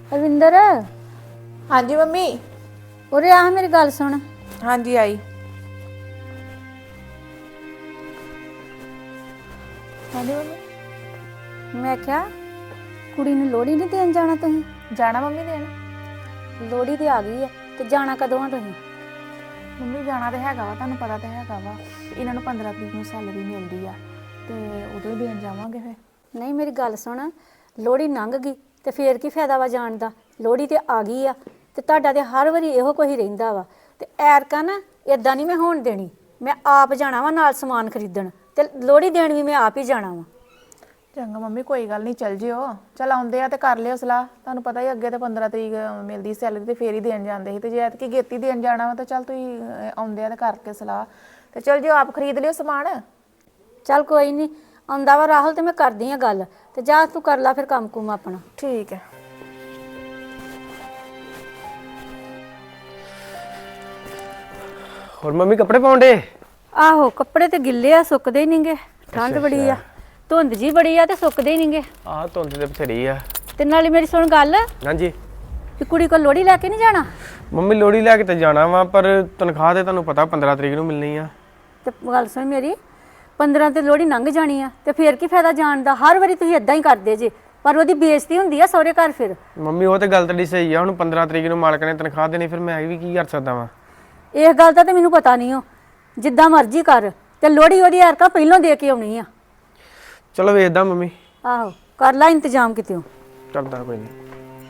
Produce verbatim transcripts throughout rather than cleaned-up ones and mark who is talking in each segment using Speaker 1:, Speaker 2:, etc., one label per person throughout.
Speaker 1: ਅਰਵਿੰਦਰ।
Speaker 2: ਹਾਂਜੀ ਮੰਮੀ।
Speaker 1: ਉਰੇ ਆ ਮੇਰੀ ਗੱਲ ਸੁਣ।
Speaker 2: ਹਾਂਜੀ ਆਈ। ਹਾਂਜੀ ਮੰਮੀ।
Speaker 1: ਮੈਂ ਕਿਹਾ ਕੁੜੀ ਨੂੰ ਲੋਹੜੀ ਨਹੀਂ ਦੇਣ ਜਾਣਾ ਤੁਸੀਂ?
Speaker 2: ਜਾਣਾ ਮੰਮੀ ਦੇਣ।
Speaker 1: ਲੋਹੜੀ ਤੇ ਆ ਗਈ ਆ ਤੇ ਜਾਣਾ ਕਦੋਂ ਆ ਤੁਸੀਂ?
Speaker 2: ਮੰਮੀ ਜਾਣਾ ਤੇ ਹੈਗਾ ਵਾ, ਤੁਹਾਨੂੰ ਪਤਾ ਤਾਂ ਹੈਗਾ ਵਾ ਇਹਨਾਂ ਨੂੰ ਪੰਦਰਾਂ ਤਰੀਕ ਨੂੰ ਸੈਲਰੀ ਮਿਲਦੀ ਆ ਤੇ ਉਦੋਂ ਹੀ ਦੇਣ ਜਾਵਾਂਗੇ ਫਿਰ।
Speaker 1: ਨਹੀਂ ਮੇਰੀ ਗੱਲ ਸੁਣ, ਲੋਹੜੀ ਲੰਘ ਗਈ ਤੇ ਫੇਰ ਕੀ ਫਾਇਦਾ ਵਾ ਜਾਣ ਦਾ? ਲੋਹੜੀ ਤੇ ਆ ਗਈ ਆ ਤੇ ਤੁਹਾਡਾ ਤੇ ਹਰ ਵਾਰੀ ਇਹੋ ਕੁਝ ਰਹਿੰਦਾ ਵਾ। ਤੇ ਐਰਕਾ ਨਾ ਇਦਾਂ ਨਹੀਂ ਮੈਂ ਹੋਣ ਦੇਣੀ। ਮੈਂ ਆਪ ਜਾਣਾ ਵਾ ਨਾਲ ਸਮਾਨ ਖਰੀਦਣ ਤੇ ਲੋਹੜੀ ਦੇਣ ਵੀ ਮੈਂ ਆਪ ਹੀ ਜਾਣਾ ਵਾ।
Speaker 2: ਚੰਗਾ ਮੰਮੀ ਕੋਈ ਗੱਲ ਨਹੀਂ, ਚੱਲ ਜਿਓ। ਚੱਲ ਆਉਂਦੇ ਆ ਤੇ ਕਰ ਲਿਓ ਸਲਾਹ। ਤੁਹਾਨੂੰ ਪਤਾ ਹੀ ਅੱਗੇ ਤੇ ਪੰਦਰਾਂ ਤਰੀਕ ਮਿਲਦੀ ਸੈਲਰੀ ਤੇ ਫੇਰ ਹੀ ਦੇਣ ਜਾਂਦੇ ਸੀ, ਤੇ ਜੇ ਐਤਕੀ ਗੇਤੀ ਦੇਣ ਜਾਣਾ ਵਾ ਤਾਂ ਚੱਲ ਤੁਸੀਂ ਆਉਂਦੇ ਆ ਤੇ ਕਰਕੇ ਸਲਾਹ ਤੇ ਚੱਲ ਜਿਓ, ਆਪ ਖਰੀਦ ਲਿਓ ਸਮਾਨ।
Speaker 1: ਚੱਲ ਕੋਈ ਨਹੀਂ, ਆਉਂਦਾ ਵਾ ਰਾਹੁਲ ਤੇ ਮੈਂ ਕਰਦੀ ਆ ਗੱਲ, ਤੇ ਜਾ ਤੂੰ ਕਰ ਲਾ ਫਿਰ ਕੰਮ ਕੁਮ ਆਪਣਾ।
Speaker 2: ਠੀਕ ਹੈ।
Speaker 3: ਹੋਰ ਮੰਮੀ ਕੱਪੜੇ ਪਾਉਂਦੇ?
Speaker 1: ਆਹੋ ਕੱਪੜੇ ਤੇ ਗਿੱਲੇ ਆ, ਸੁੱਕਦੇ ਹੀ ਨਹੀਂਗੇ। ਠੰਡ ਬੜੀ ਆ, ਧੁੰਦ ਜੀ ਬੜੀ ਆ ਤੇ ਸੁੱਕਦੇ ਹੀ ਨਹੀਂਗੇ।
Speaker 3: ਆਹ ਧੁੰਦ ਤੇ ਬਥੇਰੀ ਆ।
Speaker 1: ਤੇ ਨਾਲੇ ਮੇਰੀ ਸੁਣ ਗੱਲ,
Speaker 3: ਹਾਂਜੀ।
Speaker 1: ਵੀ ਕੁੜੀ ਕੋਲ ਲੋਹੜੀ ਲੈ ਕੇ ਨਹੀਂ ਜਾਣਾ?
Speaker 3: ਮੰਮੀ ਲੋਹੜੀ ਲੈ ਕੇ ਤੇ ਜਾਣਾ ਵਾ, ਪਰ ਤਨਖਾਹ ਤੇ ਤੁਹਾਨੂੰ ਪਤਾ ਪੰਦਰਾਂ ਤਰੀਕ ਨੂੰ ਮਿਲਣੀ ਆ।
Speaker 1: ਤੇ ਗੱਲ ਸੁਣ ਮੇਰੀ, ਪੰਦਰਾਂ ਤੇ ਲੋਹੜੀ ਲੰਘ ਜਾਣੀ ਆ ਤੇ ਫੇਰ ਕੀ ਫਾਇਦਾ ਜਾਣ ਦਾ? ਹਰ ਵਾਰੀ ਤੁਸੀਂ ਇਦਾਂ ਹੀ ਕਰਦੇ ਜੇ, ਪਰ ਉਹਦੀ ਬੇਇੱਜ਼ਤੀ ਹੁੰਦੀ ਆ ਸਹੁਰੇ ਘਰ ਫਿਰ।
Speaker 3: ਮੰਮੀ ਉਹ ਤੇ ਗੱਲ ਤੁਹਾਡੀ ਸਹੀ ਆ, ਹੁਣ ਪੰਦਰਾਂ ਤਰੀਕ ਨੂੰ ਮਾਲਕ ਨੇ ਤਨਖਾਹ ਦੇਣੀ, ਫਿਰ ਮੈਂ ਵੀ ਕੀ ਕਰ ਸਕਦਾ ਵਾਂ?
Speaker 1: ਇਸ ਗੱਲ ਦਾ ਤੇ ਮੈਨੂੰ ਪਤਾ ਨਹੀਂ ਹੋ, ਜਿੱਦਾਂ ਮਰਜ਼ੀ ਕਰ, ਤੇ ਲੋਹੜੀ ਉਹਦੀ ਐਰਕਾ ਪਹਿਲਾਂ ਦੇ ਕੇ ਆਉਣੀ ਆ।
Speaker 3: ਚਲੋ ਵੇਖਦਾ ਮੰਮੀ।
Speaker 1: ਆਹੋ ਕਰ ਲੈ ਇੰਤਜ਼ਾਮ ਕਿਤੇੋਂ।
Speaker 3: ਕਰਦਾ ਕੋਈ ਨਹੀਂ।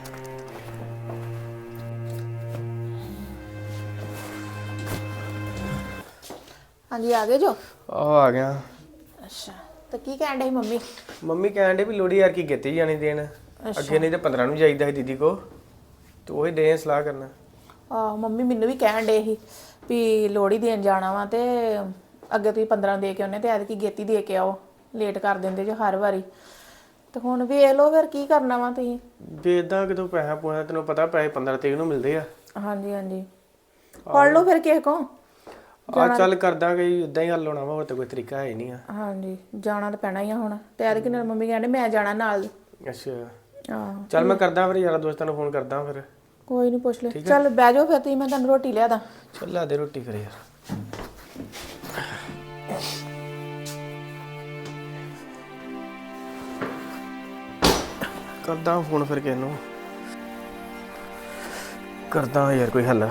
Speaker 2: ਹਾਂਜੀ ਆ ਗਏ ਜੋ?
Speaker 3: ਆਹ ਆ ਗਿਆ।
Speaker 2: ਅੱਛਾ, ਤਾਂ ਕੀ ਕਹਿਣ ਡੇ ਮੰਮੀ?
Speaker 3: ਮੰਮੀ ਕਹਿਣ ਡੇ ਵੀ ਲੋਹੜੀ ਯਾਰ ਕੀ ਕੀਤੀ ਜਾਣੀ ਦੇਣ, ਅੱਗੇ ਨਹੀਂ ਤੇ ਪੰਦਰਾਂ ਨੂੰ ਜਾਈਦਾ ਸੀ ਦੀਦੀ ਕੋ, ਤੇ ਉਹੀ ਦੇ ਸਲਾਹ ਕਰਨਾ।
Speaker 2: ਆਹ ਮੰਮੀ ਮੈਨੂੰ ਵੀ ਕਹਿਣ ਡੇ ਸੀ ਵੀ ਲੋਹੜੀ ਦੇਣ ਜਾਣਾ ਵਾ ਤੇ ਅੱਗੇ ਤੁਸੀਂ ਪੰਦਰਾਂ ਦੇ ਕੇ ਆਉਨੇ ਤੇ ਐਤਕੀ ਗੇਤੀ ਦੇ ਕੇ ਆਓ, ਲੇਟ ਕਰ ਦਿੰਦੇ ਜੋ ਹਰ ਵਾਰੀ। ਤੇ ਹੁਣ ਵੇਖ ਲਓ ਫਿਰ ਕੀ ਕਰਨਾ ਵਾ ਤੁਸੀਂ।
Speaker 3: ਵੇਖਦਾ ਕਿਤੋਂ ਪੈਸਾ ਪੂਸਾ, ਤੈਨੂੰ ਪਤਾ ਪੈਸੇ ਪੰਦਰਾਂ ਤਰੀਕ ਨੂੰ ਮਿਲਦੇ ਆ।
Speaker 2: ਹਾਂਜੀ ਹਾਂਜੀ ਫੜ ਲਓ ਫਿਰ ਕਿਸੇ ਕੋ।
Speaker 3: ਆ ਚੱਲ ਕਰਦਾ ਗਈ, ਇਦਾਂ ਹੀ ਹੱਲ ਹੋਣਾ ਵਾ, ਹੋਰ ਤਾਂ ਕੋਈ ਤਰੀਕਾ ਹੈ ਨਹੀਂ ਆ।
Speaker 2: ਹਾਂਜੀ ਜਾਣਾ ਤਾਂ ਪੈਣਾ ਹੀ ਆ ਹੁਣ, ਤੇ ਐਤਕੀ ਨਾਲ ਮੰਮੀ ਕਹਿੰਦੇ ਮੈਂ ਜਾਣਾ ਨਾਲ।
Speaker 3: ਅੱਛਾ
Speaker 2: ਆਹੋ
Speaker 3: ਚੱਲ ਮੈਂ ਕਰਦਾ ਫਿਰ, ਯਾਰਾਂ ਦੋਸਤਾਂ ਨੂੰ ਫੋਨ ਕਰਦਾ ਫਿਰ।
Speaker 2: ਕੋਈ ਨਹੀਂ ਪੁੱਛ ਲੈ। ਚੱਲ ਬਹਿ ਜਾਓ ਫਿਰ ਤੁਸੀਂ, ਮੈਂ ਤੁਹਾਨੂੰ ਰੋਟੀ ਲਿਆ ਦਾਂ।
Speaker 3: ਚੱਲ ਲਾ ਦੇ ਰੋਟੀ ਫਿਰ ਯਾਰ। ਕਰਦਾ ਫੋਨ ਫਿਰ ਕਿਸੇ ਨੂੰ, ਕਰਦਾ ਯਾਰ ਕੋਈ ਹੱਲ।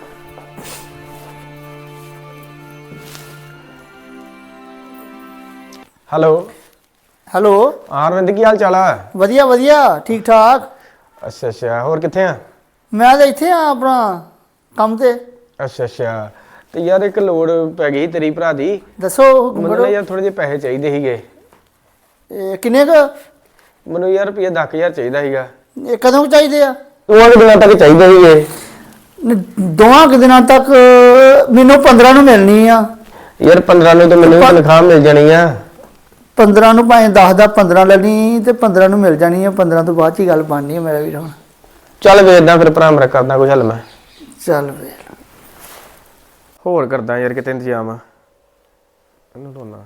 Speaker 3: Hello
Speaker 4: hello.
Speaker 3: ਆਰਵਿੰਦ ਕੀ ਹਾਲ ਚਾਲ ਆ?
Speaker 4: ਵਧੀਆ ਵਧੀਆ ਠੀਕ ਠਾਕ।
Speaker 3: ਅੱਛਾ ਅੱਛਾ, ਹੋਰ ਕਿੱਥੇ ਆ?
Speaker 4: ਮੈਂ ਤਾਂ ਇੱਥੇ ਆ ਆਪਣਾ ਕੰਮ ਤੇ।
Speaker 3: ਅੱਛਾ ਅੱਛਾ, ਤੇ ਯਾਰ ਇੱਕ ਲੋੜ ਪੈ ਗਈ ਤੇਰੀ ਭਰਾ ਦੀ।
Speaker 4: ਦੱਸੋ ਹੁਕਮ
Speaker 3: ਮੈਨੂੰ
Speaker 4: ਕਰੋ।
Speaker 3: ਨਾ ਯਾਰ ਥੋੜੇ ਜਿਹੇ ਪੈਸੇ ਚਾਹੀਦੇ ਸੀਗੇ।
Speaker 4: ਇਹ ਕਿੰਨੇ ਕੁ?
Speaker 3: ਮੈਨੂੰ ਯਾਰ ਰੁਪਈਆ ਦਸ ਹਜ਼ਾਰ ਚਾਹੀਦਾ ਸੀਗਾ।
Speaker 4: ਇਹ ਕਦੋਂ ਕੁ ਚਾਹੀਦੇ ਆ?
Speaker 3: ਦੋਵਾਂ ਕੁ ਦਿਨਾਂ ਤੱਕ ਚਾਹੀਦੇ ਸੀਗੇ।
Speaker 4: ਨ- ਦੋਵਾਂ ਕੁ ਦਿਨਾਂ ਤੱਕ ਮੈਨੂੰ ਪੰਦਰਾਂ ਨੂੰ ਮਿਲਣੀ ਆ।
Speaker 3: ਯਾਰ ਪੰਦਰਾਂ ਨੂੰ ਤਾਂ ਮੈਨੂੰ ਵੀ ਤਨਖਾਹ ਮਿਲ ਜਾਣੀ ਆ।
Speaker 4: ਪੰਦਰਾਂ ਨੂੰ ਭਾਵੇਂ ਦਸ ਦਾ ਪੰਦਰਾਂ ਲੈਣੀ ਤੇ ਪੰਦਰਾਂ ਨੂੰ ਮਿਲ ਜਾਣੀ ਆ। ਪੰਦਰਾਂ ਤੋਂ ਬਾਅਦ 'ਚ ਹੀ ਗੱਲ ਬਣਨੀ ਆ ਮੇਰਾ ਵੀਰ। ਹੁਣ
Speaker 3: ਚੱਲ ਵੇਖਦਾ ਫਿਰ ਭਰਾ ਮੇਰਾ, ਕਰਦਾ ਕੋਈ ਹੱਲ ਮੈਂ।
Speaker 4: ਚੱਲ ਵੇਖ।
Speaker 3: ਹੋਰ ਕਰਦਾ ਯਾਰ ਕਿਤੇ ਇੰਤਜ਼ਾਮ ਆ। ਇਹਨੂੰ ਦੋਨਾ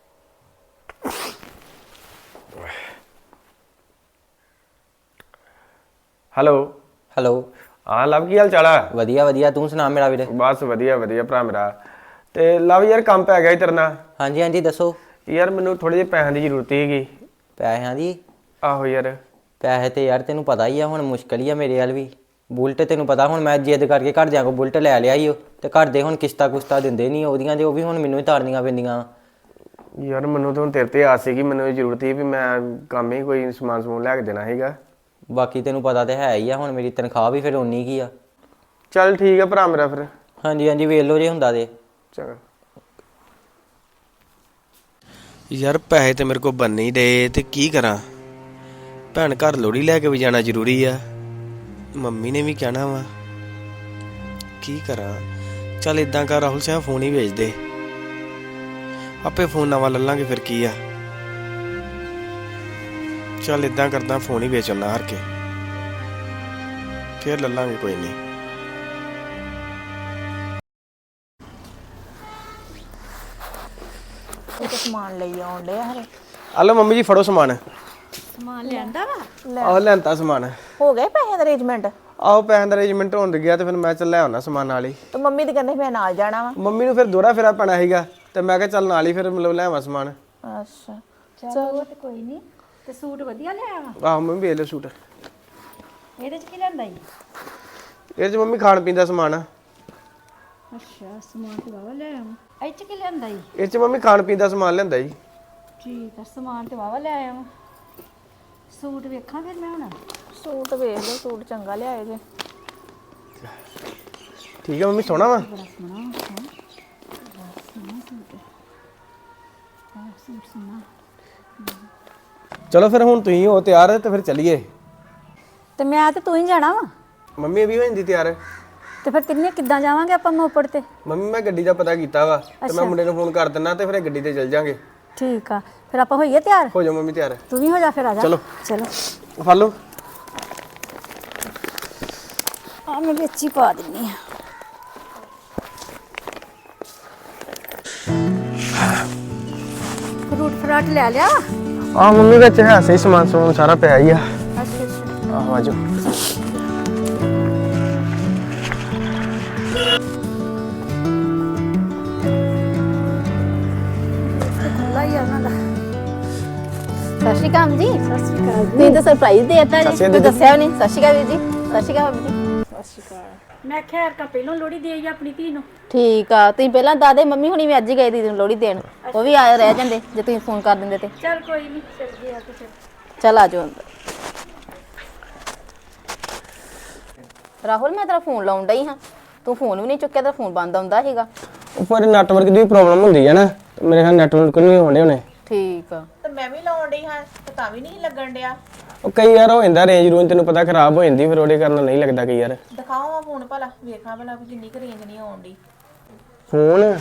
Speaker 3: ਹੈਲੋ
Speaker 5: ਹੈਲੋ।
Speaker 3: ਹਾਂ ਲਵ, ਕੀ ਹਾਲ ਚਾਲ ਆ?
Speaker 5: ਵਧੀਆ ਵਧੀਆ, ਤੂੰ ਸੁਣਾ ਮੇਰਾ ਵੀਰੇ?
Speaker 3: ਬਸ ਵਧੀਆ ਵਧੀਆ ਭਰਾ ਮੇਰਾ। ਤੇ ਲਵ ਯਾਰ ਕੰਮ ਪੈ ਗਿਆ ਸੀ ਤੇਰੇ ਨਾਲ।
Speaker 5: ਹਾਂਜੀ ਹਾਂਜੀ ਦੱਸੋ।
Speaker 3: ਯਾਰ ਮੈਨੂੰ ਥੋੜੇ ਜਿਹੇ ਪੈਸਿਆਂ ਦੀ ਜ਼ਰੂਰਤ ਸੀਗੀ।
Speaker 5: ਪੈਸਿਆਂ ਦੀ?
Speaker 3: ਆਹੋ ਯਾਰ।
Speaker 5: ਪੈਸੇ ਤੇ ਯਾਰ ਤੈਨੂੰ ਪਤਾ ਹੀ ਆ, ਹੁਣ ਮੁਸ਼ਕਲ ਹੀ ਆ ਮੇਰੇ ਵੱਲ ਵੀ। ਬੁਲਟ ਤੈਨੂੰ ਪਤਾ, ਹੁਣ ਮੈਂ ਜਿੱਦ ਕਰਕੇ ਘਰਦਿਆਂ ਕੋਲ ਬੁਲਟ ਲੈ ਲਿਆ ਹੀ ਉਹ, ਤੇ ਘਰ ਦੇ ਹੁਣ ਕਿਸ਼ਤਾਂ ਕੁਸ਼ਤਾਂ ਦਿੰਦੇ ਨਹੀਂ ਉਹਦੀਆਂ, ਤੇ ਉਹ ਵੀ ਹੁਣ ਮੈਨੂੰ ਹੀ ਤਾਰਨੀਆਂ ਪੈਂਦੀਆਂ।
Speaker 3: ਯਾਰ ਮੈਨੂੰ ਤਾਂ ਹੁਣ ਤੇਰੇ ਤੇ ਆਸ ਸੀਗੀ, ਮੈਨੂੰ ਇਹ ਜ਼ਰੂਰਤ ਸੀ ਵੀ ਮੈਂ ਕੰਮ ਹੀ ਕੋਈ ਸਮਾਨ ਸਮੂਨ ਲੈ ਕੇ ਦੇਣਾ ਸੀਗਾ।
Speaker 5: ਬਾਕੀ ਤੈਨੂੰ ਪਤਾ ਤੇ ਹੈ ਹੀ ਆ, ਹੁਣ ਮੇਰੀ ਤਨਖਾਹ ਵੀ ਫਿਰ ਉਨੀ ਕੀ ਆ।
Speaker 3: ਚੱਲ ਠੀਕ ਆ ਭਰਾ ਮੇਰਾ ਫਿਰ।
Speaker 5: ਹਾਂਜੀ ਹਾਂਜੀ ਵੇਖ ਲਓ ਜੇ ਹੁੰਦਾ ਤੇ।
Speaker 3: ਚੰਗਾ। ਯਾਰ ਪੈਸੇ ਤੇ ਮੇਰੇ ਕੋਲ ਬਣ ਨਹੀਂ ਦੇ, ਤੇ ਕੀ ਕਰਾਂ? ਭੈਣ ਘਰ ਲੋਹੜੀ ਲੈ ਕੇ ਵੀ ਜਾਣਾ ਜ਼ਰੂਰੀ ਆ, ਮੰਮੀ ਨੇ ਵੀ ਕਹਿਣਾ ਵਾ, ਕੀ ਕਰਾਂ? ਚੱਲ ਇਦਾਂ ਕਰ ਰਾਹੁਲ ਸਿੰਘ, ਫੋਨ ਹੀ ਵੇਚ ਦੇ, ਆਪੇ ਫੋਨ ਨਵਾਂ ਲੈ ਲਾਂਗੇ ਫਿਰ ਕੀ ਆ। ਚੱਲ ਇਦਾਂ ਕਰਦਾ, ਫੋਨ ਹੀ ਵੇਚ ਆਉਣਾ ਹਾਰ ਕੇ, ਫਿਰ ਲੈ ਲਾਂਗੇ ਕੋਈ ਨਹੀਂ।
Speaker 2: ਇਹ ਤਾਂ ਸਮਾਨ ਲਈ ਆਉਣ ਡਿਆ ਹਰੇ।
Speaker 3: ਹਲੋ ਮੰਮੀ ਜੀ, ਫੜੋ ਸਮਾਨ।
Speaker 1: ਸਮਾਨ ਲਿਆਂਦਾ ਵਾ
Speaker 3: ਆਹ ਲੈਂਤਾ ਸਮਾਨ।
Speaker 2: ਹੋ ਗਏ ਪੈਸੇ ਦਾ ਅਰੇਂਜਮੈਂਟ?
Speaker 3: ਆਓ ਪੈਸੇ ਦਾ ਅਰੇਂਜਮੈਂਟ ਹੋਣ ਗਿਆ ਤੇ ਫਿਰ ਮੈਂ ਚੱਲ ਲੈ ਆਉਣਾ ਸਮਾਨ ਨਾਲ ਹੀ।
Speaker 2: ਤੇ ਮੰਮੀ ਤੇ ਕਹਿੰਦੇ ਮੈਂ ਨਾਲ ਜਾਣਾ ਵਾ।
Speaker 3: ਮੰਮੀ ਨੂੰ ਫਿਰ ਦੋਹਰਾ ਫੇਰਾ ਪੈਣਾ ਸੀਗਾ ਤੇ ਮੈਂ ਕਿਹਾ ਚੱਲ ਨਾਲ ਹੀ ਫਿਰ ਮਤਲਬ ਲੈ ਆਵਾਂ ਸਮਾਨ।
Speaker 2: ਅੱਛਾ
Speaker 1: ਚਲੋ ਤੇ ਕੋਈ ਨਹੀਂ। ਤੇ ਸੂਟ ਵਧੀਆ ਲਿਆ ਵਾ?
Speaker 3: ਆਹੋ ਮੰਮੀ ਵੇਖ ਲਓ ਸੂਟ।
Speaker 1: ਇਹਦੇ ਚ ਕੀ ਲੈਂਦਾ ਈ?
Speaker 3: ਇਹ 'ਚ ਮੰਮੀ ਖਾਣ ਪੀਣ ਦਾ ਸਮਾਨ ਆ।
Speaker 1: ਅੱਛਾ ਸਮਾਨ ਤੇ ਵਾਵਾ ਲੈ ਆਵਾਂ। ਇਹ ਚ ਕੀ ਲੈਂਦਾ ਈ?
Speaker 3: ਇਹ 'ਚ ਮੰਮੀ ਖਾਣ ਪੀਣ ਦਾ ਸਮਾਨ ਲੈਂਦਾ ਜੀ।
Speaker 1: ਠੀਕ ਆ ਸਮਾਨ ਤੇ ਵਾਵਾ ਲੈ ਆਵਾਂ। ਸੂਟ ਵੇਖਾਂ ਫਿਰ ਮੈਂ ਹੁਣ।
Speaker 2: ਸੂਟ ਵੇਖ ਲਓ, ਸੂਟ ਚੰਗਾ ਲਿਆਏ ਜੇ।
Speaker 3: ਠੀਕ ਹੈ ਮੰਮੀ ਸੋਹਣਾ ਵਾ।
Speaker 1: ਬੜਾ ਸੋਹਣਾ ਹੈ। ਬੜਾ ਸੋਹਣਾ ਸੂਟ ਹੈ। ਆਹ ਸੂਟ ਸੋਹਣਾ।
Speaker 3: ਚਲੋ ਫਿਰ ਹੁਣ ਤੁਸੀਂ ਹੋ ਤਿਆਰ ਤੇ ਫਿਰ ਚੱਲੀਏ।
Speaker 1: ਤੇ ਮੈਂ ਤੇ ਤੂੰ ਹੀ ਜਾਣਾ ਵਾ।
Speaker 3: ਮੰਮੀ ਵੀ ਹੋ ਜਾਂਦੀ ਤਿਆਰ।
Speaker 1: ਤੇ ਫਿਰ ਤਿੰਨੇ ਕਿੱਦਾਂ ਜਾਵਾਂਗੇ ਆਪਾਂ ਮੋਪੜ ਤੇ?
Speaker 3: ਮੰਮੀ ਮੈਂ ਗੱਡੀ ਦਾ ਪਤਾ ਕੀਤਾ ਵਾ ਤੇ ਮੈਂ ਮੁੰਡੇ ਨੂੰ ਫੋਨ ਕਰ ਦਿੰਦਾ ਤੇ ਫਿਰ ਇਹ ਗੱਡੀ ਤੇ ਚੱਲ ਜਾਾਂਗੇ।
Speaker 1: ਠੀਕ ਆ ਫਿਰ ਆਪਾਂ ਹੋਈਏ ਤਿਆਰ।
Speaker 3: ਹੋ ਜਾਓ ਮੰਮੀ ਤਿਆਰ।
Speaker 1: ਤੂੰ ਵੀ ਹੋ ਜਾ ਫਿਰ ਆ ਜਾ।
Speaker 3: ਚਲੋ।
Speaker 1: ਚਲੋ
Speaker 3: ਫੜ ਲਓ।
Speaker 1: ਆ ਮੈਂ ਵਿੱਚ ਹੀ ਪਾ ਦਿੰਨੀ ਆ। ਫਰੂਟ ਫਰਾਟ ਲੈ ਲਿਆ?
Speaker 3: ਆ ਮੰਮੀ ਵਿੱਚ ਹੈ ਸਹੀ ਸਮਾਨ ਸਮੂਨ ਸਾਰਾ ਪਿਆ ਹੀ ਆ।
Speaker 1: ਅੱਛਾ ਅੱਛਾ
Speaker 3: ਆਹੋ ਆਜੋ।
Speaker 1: ਖੁੱਲਾ ਹੀ ਆ ਉਹਨਾਂ ਦਾ।
Speaker 6: ਸਤਿ ਸ਼੍ਰੀ ਅਕਾਲ ਜੀ।
Speaker 1: ਸਤਿ ਸ਼੍ਰੀ ਅਕਾਲ
Speaker 6: ਤੁਸੀਂ ਤਾਂ ਸਰਪ੍ਰਾਈਜ਼ ਦੇਤਾ
Speaker 3: ਸਤਿ
Speaker 6: ਜੀ,
Speaker 3: ਸ਼੍ਰੀ
Speaker 6: ਤੁਸੀਂ
Speaker 3: ਅਕਾਲ
Speaker 6: ਦੱਸਿਆ ਵੀ ਨਹੀਂ। ਸਤਿ ਸ਼੍ਰੀ ਅਕਾਲ ਵੀਰ ਜੀ। ਸਤਿ ਸ਼੍ਰੀ ਅਕਾਲ ਭਾਬੀ ਜੀ।
Speaker 1: ਮੈਂ ਖੈਰ ਕਾ ਪਹਿਲੋਂ ਲੋੜੀ ਦੇ ਆਈ ਆਪਣੀ ਧੀ ਨੂੰ।
Speaker 6: ਠੀਕ ਆ, ਤੁਸੀਂ ਪਹਿਲਾਂ ਦਾਦੇ ਮੰਮੀ ਹੁਣੀ ਵੀ ਅੱਜ ਹੀ ਗਏ ਦੀਦੀ ਨੂੰ ਲੋਹੜੀ ਦੇਣ। ਉਹ ਵੀ ਆ ਰਹਿ ਜਾਂਦੇ ਜੇ ਤੁਸੀਂ ਫੋਨ ਕਰ ਦਿੰਦੇ ਤੇ।
Speaker 1: ਚੱਲ ਕੋਈ ਨਹੀਂ ਚੱਲ ਗਿਆ ਤੇ ਫਿਰ।
Speaker 6: ਚੱਲ ਆ ਜਾਓ ਅੰਦਰ। ਰਾਹੁਲ ਮੈਂ ਤੇਰਾ ਫੋਨ ਲਾਉਣ ਡਈ ਹਾਂ, ਤੂੰ ਫੋਨ ਵੀ ਨਹੀਂ ਚੁੱਕਿਆ, ਤੇਰਾ ਫੋਨ ਬੰਦ ਆਉਂਦਾ ਸੀਗਾ।
Speaker 3: ਉੱਪਰ ਨੈਟਵਰਕ ਦੀ ਪ੍ਰੋਬਲਮ ਹੁੰਦੀ ਹੈ ਨਾ, ਮੇਰੇ ਖਿਆਲ ਨੈਟਵਰਕ ਨਹੀਂ ਹੋਣੇ ਹੋਣੇ।
Speaker 6: ਠੀਕ ਆ।
Speaker 2: ਤੇ ਮੈਂ ਵੀ ਲਾਉਣ ਡਈ ਹਾਂ ਤੇ ਤਾਂ ਵੀ ਨਹੀਂ ਲੱਗਣ ਡਿਆ।
Speaker 3: ਉਹ ਕਈ ਵਾਰ ਹੋ ਜਾਂਦਾ ਰੇਂਜ ਰੂੰਜ ਤੈਨੂੰ ਪਤਾ ਖਰਾਬ ਹੋ ਜਾਂਦੀ ਫਿਰ ਉਹਦੇ ਕਾਰਨ ਨਹੀਂ ਲੱਗਦਾ ਕਈ ਵਾਰ।
Speaker 2: ਦਿਖਾਓ ਆ ਫੋਨ ਭਲਾ, ਵੇਖਾਂ ਭਲਾ ਵੀ ਕਿੰਨੀ ਕੁ ਰੇਂਜ ਨਹੀਂ ਆਉਣ ਡਈ।
Speaker 3: ਫੋਨ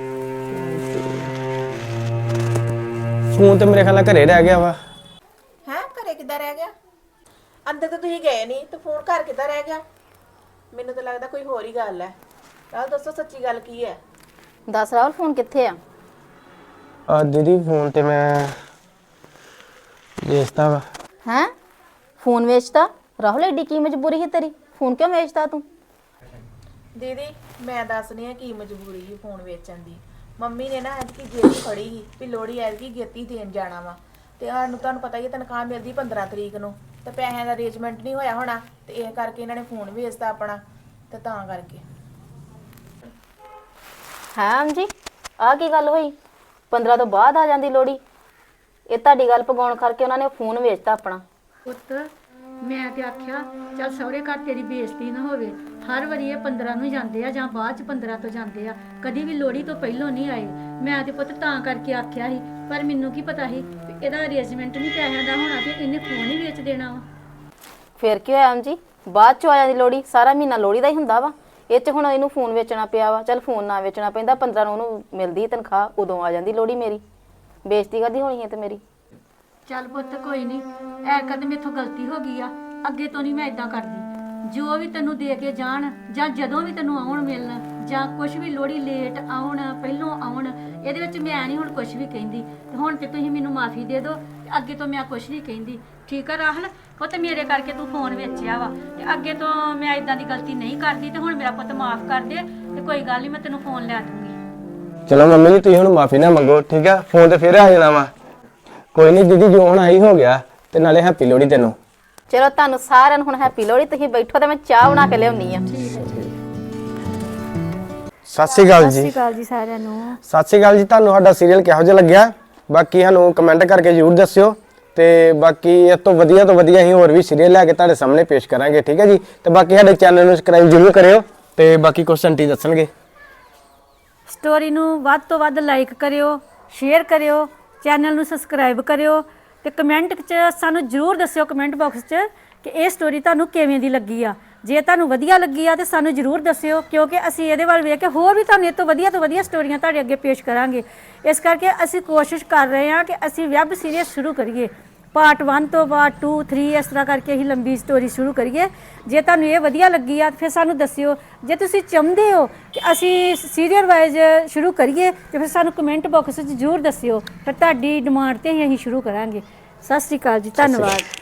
Speaker 3: ਫੋਨ ਤੇ ਮੇਰੇ ਖਿਆਲ ਨਾਲ ਘਰੇ ਰਹਿ ਗਿਆ ਵਾ।
Speaker 2: ਹੈਂ ਘਰੇ ਕਿੱਦਾਂ ਰਹਿ ਗਿਆ? ਅੰਦਰ ਤਾਂ ਤੁਸੀਂ ਗਏ ਨਹੀਂ ਤੇ ਫੋਨ ਘਰ ਕਿੱਦਾਂ ਰਹਿ ਗਿਆ? ਮੈਨੂੰ ਤਾਂ ਲੱਗਦਾ ਕੋਈ ਹੋਰ ਹੀ ਗੱਲ ਹੈ। ਰਾਹੁਲ ਦੱਸੋ ਸੱਚੀ ਗੱਲ ਕੀ ਹੈ?
Speaker 6: ਦੱਸ ਰਾਹੁਲ ਫੋਨ ਕਿੱਥੇ ਆ?
Speaker 3: ਆ ਦੀਦੀ ਫੋਨ ਤੇ ਮੈਂ ਵੇਚਤਾ ਵਾ।
Speaker 6: ਹੈਂ ਫੋਨ ਵੇਚਤਾ? ਰਾਹੁਲ ਐਡੀ ਕੀ ਮਜਬੂਰੀ ਸੀ ਤੇਰੀ, ਫੋਨ ਕਿਉਂ ਵੇਚਤਾ ਤੂੰ?
Speaker 2: ਦੀਦੀ ਮੈਂ ਦੱਸਣੀ ਆ ਕੀ ਮਜਬੂਰੀ ਸੀ ਫੋਨ ਵੇਚਣ ਦੀ। ਮੰਮੀ ਨੇ ਨਾ ਐਤਕੀ ਗੇਤੀ ਫੜੀ ਸੀ ਵੀ ਲੋੜੀ ਐਤਕੀ ਗੇਤੀ ਦੇਣ ਜਾਣਾ ਵਾ ਤੇ ਸਾਨੂੰ ਤੁਹਾਨੂੰ ਪਤਾ ਹੀ ਹੈ ਤਨਖਾਹ ਮਿਲਦੀ ਪੰਦਰਾਂ ਤਰੀਕ ਨੂੰ ਤੇ ਪੈਸਿਆਂ ਦਾ ਅਰੇਂਜਮੈਂਟ ਨਹੀਂ ਹੋਇਆ ਹੋਣਾ ਤੇ ਇਹ ਕਰਕੇ ਇਹਨਾਂ ਨੇ ਫੋਨ ਵੇਚਤਾ ਆਪਣਾ ਤੇ ਤਾਂ ਕਰਕੇ।
Speaker 6: ਹਾਂ ਜੀ ਆਹ ਕੀ ਗੱਲ ਹੋਈ? ਪੰਦਰਾਂ ਤੋਂ ਬਾਅਦ ਆ ਜਾਂਦੀ ਲੋੜੀ? ਇਹ ਤੁਹਾਡੀ ਗੱਲ ਪਗਾਉਣ ਕਰਕੇ ਉਹਨਾਂ ਨੇ ਫੋਨ ਵੇਚਤਾ ਆਪਣਾ।
Speaker 1: ਪੁੱਤ ਮੈਂ ਤੇ ਆਖਿਆ ਚੱਲ ਸਹੁਰੇ ਘਰ ਤੇਰੀ ਬੇਇੱਜ਼ਤੀ ਨਾ ਹੋਵੇ। ਹਰ ਵਾਰੀ ਇਹ ਪੰਦਰਾਂ ਨੂੰ ਜਾਂਦੇ ਆ ਜਾਂ ਬਾਅਦ ਚ ਪੰਦਰਾਂ ਤੋਂ ਜਾਂਦੇ ਆ, ਕਦੀ ਵੀ ਲੋੜੀ ਤੋਂ ਪਹਿਲਾਂ ਨਹੀਂ ਆਏ। ਮੈਂ ਤੇ ਪੁੱਤ ਤਾਂ ਕਰਕੇ ਆਖਿਆ ਸੀ, ਪਰ ਮੈਨੂੰ ਕੀ ਪਤਾ ਸੀ ਵੀ ਇਹਦਾ ਅਰੇਂਜਮੈਂਟ ਨਹੀਂ ਪੈਸਿਆਂ ਦਾ ਹੋਣਾ ਤੇ ਇਹਨੇ ਫੋਨ ਹੀ ਵੇਚ ਦੇਣਾ ਵਾ।
Speaker 6: ਫਿਰ ਕੀ ਹੋਇਆ ਜੀ, ਬਾਅਦ ਚ ਆ ਜਾਂਦੀ ਲੋੜੀ, ਸਾਰਾ ਮਹੀਨਾ ਲੋੜੀ ਦਾ ਹੀ ਹੁੰਦਾ ਵਾ। ਇਹ ਚ ਹੁਣ ਇਹਨੂੰ ਫੋਨ ਵੇਚਣਾ ਪਿਆ ਵਾ। ਚੱਲ ਫੋਨ ਨਾ ਵੇਚਣਾ ਪੈਂਦਾ, ਪੰਦਰਾਂ ਨੂੰ ਉਹਨੂੰ ਮਿਲਦੀ ਤਨਖਾਹ, ਉਦੋਂ ਆ ਜਾਂਦੀ ਲੋੜੀ ਮੇਰੀ। ਬੇਇੱਜ਼ਤੀ ਕਾਹਦੀ ਹੋਣੀ ਹੈ ਤੇ ਮੇਰੀ।
Speaker 1: ਚੱਲ ਪੁੱਤ ਕੋਈ ਨਹੀਂ, ਐਰਕਾ ਤੇ ਮੇਥੋਂ ਗਲਤੀ ਹੋ ਗਈ ਆ, ਅੱਗੇ ਤੋਂ ਨਹੀਂ ਮੈਂ ਇਦਾਂ ਕਰਦੀ। ਜੋ ਵੀ ਤੈਨੂੰ ਦੇ ਕੇ ਜਾਣ ਜਾਂ ਜਦੋਂ ਵੀ ਤੈਨੂੰ ਆਉਣ ਮਿਲਣ ਜਾਂ ਕੁਝ ਵੀ ਲੋੜੀ ਲੇਟ ਆਉਣ ਪਹਿਲੋਂ ਆਉਣ, ਇਹਦੇ ਵਿੱਚ ਮੈਂ ਨਹੀਂ ਹੁਣ ਕੁਝ ਵੀ ਕਹਿੰਦੀ। ਤੇ ਹੁਣ ਤੇ ਤੁਸੀਂ ਮੈਨੂੰ ਮਾਫੀ ਦੇ ਦਿਓ ਤੇ ਅੱਗੇ ਤੋਂ ਮੈਂ ਕੁਝ ਨਹੀਂ ਕਹਿੰਦੀ। ਠੀਕ ਆ ਰਾਹੁਲ? ਪੁੱਤ ਮੇਰੇ ਕਰਕੇ ਤੂੰ ਫੋਨ ਵੇਚਿਆ ਵਾ ਤੇ ਅੱਗੇ ਤੋਂ ਮੈਂ ਇਦਾਂ ਦੀ ਗਲਤੀ ਨਹੀਂ ਕਰਦੀ ਤੇ ਹੁਣ ਮੇਰਾ ਪੁੱਤ ਮਾਫ ਕਰ ਦੇ ਤੇ ਕੋਈ ਗੱਲ ਨਹੀਂ, ਮੈਂ ਤੈਨੂੰ ਫੋਨ ਲੈ ਦੂੰਗੀ।
Speaker 3: ਚਲੋ ਮੰਮੀ ਜੀ ਤੁਸੀਂ ਹੁਣ ਮਾਫੀ ਨਾ ਮੰਗੋ, ਠੀਕ ਆ? ਫੋਨ ਤੇ ਫਿਰ ਆ ਜਾਣਾ ਵਾ। ਕੋਈ ਨਹੀਂ ਦੀਦੀ, ਜੋ ਹੁਣ ਆਈ ਹੋ ਗਿਆ ਤੇ ਨਾਲੇ ਹੈਪੀ ਲੋਹੜੀ ਤੈਨੂੰ।
Speaker 6: ਚਲੋ ਤੁਹਾਨੂੰ ਸਾਰਿਆਂ ਨੂੰ ਹੁਣ ਹੈਪੀ ਲੋਹੜੀ। ਤੁਸੀਂ ਬੈਠੋ ਤੇ ਮੈਂ ਚਾਹ ਬਣਾ ਕੇ ਲਿਆਉਣੀ ਆ।
Speaker 3: ਸਤਿ ਸ਼੍ਰੀ ਅਕਾਲ
Speaker 1: ਸਤਿ ਸ਼੍ਰੀ
Speaker 3: ਜੀ।
Speaker 1: ਅਕਾਲ ਜੀ ਸਾਰਿਆਂ ਨੂੰ।
Speaker 3: ਸਤਿ ਸ਼੍ਰੀ ਅਕਾਲ ਜੀ। ਤੁਹਾਨੂੰ ਸਾਡਾ ਸੀਰੀਅਲ ਕਿਹੋ ਜਿਹਾ ਲੱਗਿਆ ਬਾਕੀ ਸਾਨੂੰ ਕਮੈਂਟ ਕਰਕੇ ਜ਼ਰੂਰ ਦੱਸਿਓ ਤੇ ਬਾਕੀ ਇਸ ਤੋਂ ਵਧੀਆ ਤੋਂ ਵਧੀਆ ਅਸੀਂ ਹੋਰ ਵੀ ਸੀਰੀਅਲ ਲੈ ਕੇ ਤੁਹਾਡੇ ਸਾਹਮਣੇ ਪੇਸ਼ ਕਰਾਂਗੇ, ਠੀਕ ਹੈ ਜੀ? ਤੇ ਬਾਕੀ ਸਾਡੇ ਚੈਨਲ ਨੂੰ ਸਬਸਕ੍ਰਾਈਬ ਜ਼ਰੂਰ ਕਰਿਓ ਤੇ ਬਾਕੀ ਕੁਝ ਆਂਟੀ ਦੱਸਣਗੇ।
Speaker 1: ਸਟੋਰੀ ਨੂੰ ਵੱਧ ਤੋਂ ਵੱਧ ਲਾਈਕ ਕਰਿਓ, ਸ਼ੇਅਰ ਕਰਿਓ, ਚੈਨਲ ਨੂੰ ਸਬਸਕ੍ਰਾਈਬ ਕਰਿਓ ਤੇ ਕਮੈਂਟ 'ਚ ਸਾਨੂੰ ਜ਼ਰੂਰ ਦੱਸਿਓ, ਕਮੈਂਟ ਬਾਕਸ 'ਚ, ਕਿ ਇਹ ਸਟੋਰੀ ਤੁਹਾਨੂੰ ਕਿਵੇਂ ਦੀ ਲੱਗੀ ਆ। ਜੇ ਤੁਹਾਨੂੰ ਵਧੀਆ ਲੱਗੀ ਆ ਤੇ ਸਾਨੂੰ ਜ਼ਰੂਰ ਦੱਸਿਓ, ਕਿਉਂਕਿ ਅਸੀਂ ਇਹਦੇ ਵੱਲ ਵੇਖ ਕੇ ਹੋਰ ਵੀ ਤੁਹਾਨੂੰ ਇਹ ਤੋਂ ਵਧੀਆ ਤੋਂ ਵਧੀਆ ਸਟੋਰੀਆਂ ਤੁਹਾਡੇ ਅੱਗੇ ਪੇਸ਼ ਕਰਾਂਗੇ। ਇਸ ਕਰਕੇ ਅਸੀਂ ਕੋਸ਼ਿਸ਼ ਕਰ ਰਹੇ ਹਾਂ ਕਿ ਅਸੀਂ ਵੈਬ ਸੀਰੀਜ਼ ਸ਼ੁਰੂ ਕਰੀਏ, ਪਾਰਟ ਵਨ ਤੋਂ ਪਾਰਟ ਟੂ ਥ੍ਰੀ ਇਸ ਤਰ੍ਹਾਂ ਕਰਕੇ ਅਸੀਂ ਲੰਬੀ ਸਟੋਰੀ ਸ਼ੁਰੂ ਕਰੀਏ। ਜੇ ਤੁਹਾਨੂੰ ਇਹ ਵਧੀਆ ਲੱਗੀ ਆ ਫਿਰ ਸਾਨੂੰ ਦੱਸਿਓ। ਜੇ ਤੁਸੀਂ ਚਾਹੁੰਦੇ ਹੋ ਕਿ ਅਸੀਂ ਸੀਰੀਅਲ ਵਾਈਜ਼ ਸ਼ੁਰੂ ਕਰੀਏ ਤੇ ਫਿਰ ਸਾਨੂੰ ਕਮੈਂਟ ਬਾਕਸ 'ਚ ਜ਼ਰੂਰ ਦੱਸਿਓ, ਫਿਰ ਤੁਹਾਡੀ ਡਿਮਾਂਡ 'ਤੇ ਹੀ ਅਸੀਂ ਸ਼ੁਰੂ ਕਰਾਂਗੇ। ਸਤਿ ਸ੍ਰੀ ਅਕਾਲ ਜੀ, ਧੰਨਵਾਦ।